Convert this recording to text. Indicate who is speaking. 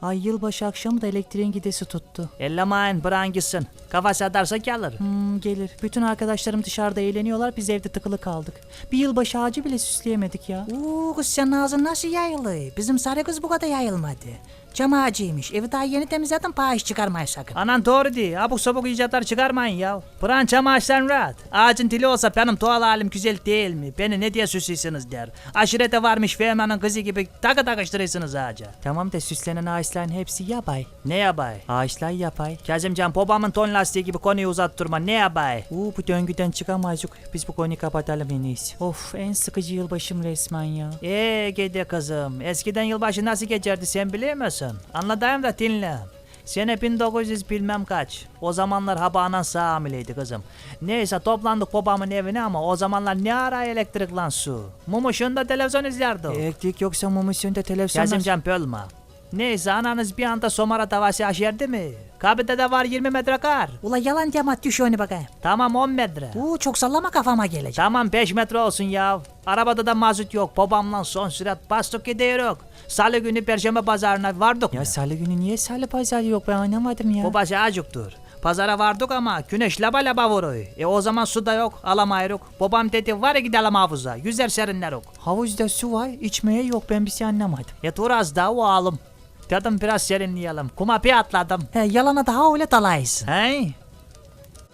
Speaker 1: Ay yılbaşı akşamı da elektriğin gidesi tuttu.
Speaker 2: Ellemeyin bırakın gitsin. Kafası atarsa gelir.
Speaker 1: Gelir. Bütün arkadaşlarım dışarıda eğleniyorlar, biz evde tıkılı kaldık. Bir yılbaşı ağacı bile süsleyemedik ya.
Speaker 3: Kız senin ağzın nasıl yayılı? Bizim sarı kız bu kadar yayılmadı. Cam ağacıymış. Evi daha yeni temizledim, pahiş çıkarmayın sakın.
Speaker 2: Anan doğru değil. Abuk sabuk icatlar çıkarmayın ya. Bırakın çam ağaçlarını rahat. Ağacın dili olsa benim doğal halim güzel değil mi? Beni ne diye süslüyorsunuz der. Aşirete varmış Fehman'ın kızı gibi takı takıştırıyorsunuz ağaca.
Speaker 1: Tamam da süslenen ağaçların hepsi yapay.
Speaker 2: Ne yapay?
Speaker 1: Ağaçlar yapay.
Speaker 2: Kazımcan babamın ton lastiği gibi konuyu uzattırma. Ne yapay?
Speaker 1: Bu döngüden çıkamayacak. Biz bu konuyu kapatalım en iyisi. Of, en sıkıcı yılbaşım resmen ya.
Speaker 2: Gede kızım. Eskiden yılbaşı nasıl geçerdi sen biliyor musun? Anlatayım da dinle. Sene 1900 bilmem kaç. O zamanlar habanan sağ hamileydi kızım. Neyse toplandık babamın evine ama o zamanlar ne ara elektrik lan su. Mum ışığında televizyon izlerdi.
Speaker 1: Elektrik yoksa mum ışığında televizyon...
Speaker 2: Kazımcan bölme. Neyse ananız bir anda somara tavası aşerdi mi? Kabide de var 20 metre kar.
Speaker 3: Ula yalan deme, düş onu bakayım.
Speaker 2: Tamam 10 metre.
Speaker 3: Çok sallama, kafama gelecek.
Speaker 2: Tamam 5 metre olsun ya. Arabada da mazot yok. Babamla son sürat bastık gidiyoruz. Salı günü Perşembe pazarına vardık.
Speaker 1: Ya salı günü niye salı pazarı yok, ben anlamadım ya.
Speaker 2: Babası acıktır. Pazara vardık ama güneş laba laba vuruyor. O zaman su da yok, alamayırık. Babam dedi var ya gidelim havuza. Yüzer serinleruk.
Speaker 1: Havuzda su var, içmeye yok, ben bir şey anlamadım.
Speaker 2: Dur az daha oğlum. Dedim biraz serinleyelim. Kuma bir atladım.
Speaker 3: Yalana daha öyle dalaysın.
Speaker 2: Hey?